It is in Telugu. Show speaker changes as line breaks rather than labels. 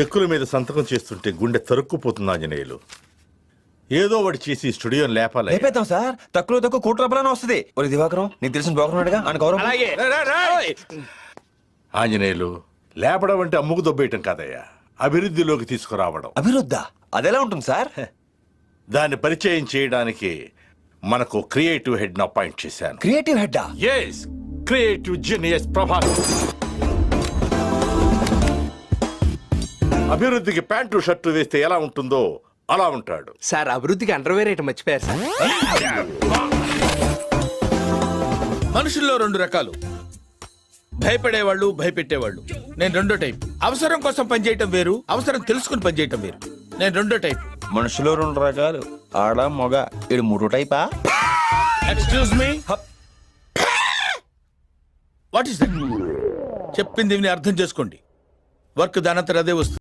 చెక్కుల మీద సంతకం చేస్తుంటే గుండె తరుక్కుపోతుంది ఆంజనేయులు. ఏదో ఒకటి చేసి స్టూడియోని లేపాలి.
లేపేద్దాం సార్, తక్కువ కోటి రూపాయలని వస్తుంది. ఒరే దివాకరం, నీకు తెలిసిన బాగున్నాడుగా అని గౌరవం.
ఆంజనేయులు, లేపడం అంటే అమ్ముకు దొబ్బేయటం కాదయ్యా, అభివృద్ధిలోకి తీసుకురావడం.
అభివృద్ధా? అదెలా ఉంటుంది సార్?
దాన్ని పరిచయం చేయడానికి మనకు క్రియేటివ్ హెడ్ ను అపాయింట్ చేశాను.
క్రియేటివ్ హెడ్డా?
Yes, creative genius Prabhas. అభివృద్ధికి ప్యాంటు షర్టు వేస్తే ఎలా ఉంటుందో అలా ఉంటాడు.
సార్, అభివృద్ధికి అండర్వేర్ ఐటమ్ మర్చిపోయారు సార్.
మనుషుల్లో రెండు రకాలు, భయపడేవాళ్ళు, భయపెట్టేవాళ్ళు. నేను రెండో టైప్. అవసరం కోసం పనిచేయటం వేరు, అవసరం తెలుసుకుని పనిచేయటం వేరు. నేను రెండో టైప్.
మనుషులో రెండు రకాలు, ఆడ మొగ. ఇది మూడో టైపా?
Excuse me, what is that? చెప్పింది విని అర్థం చేసుకోండి. వర్క్ దానంతరం అదే వస్తుంది.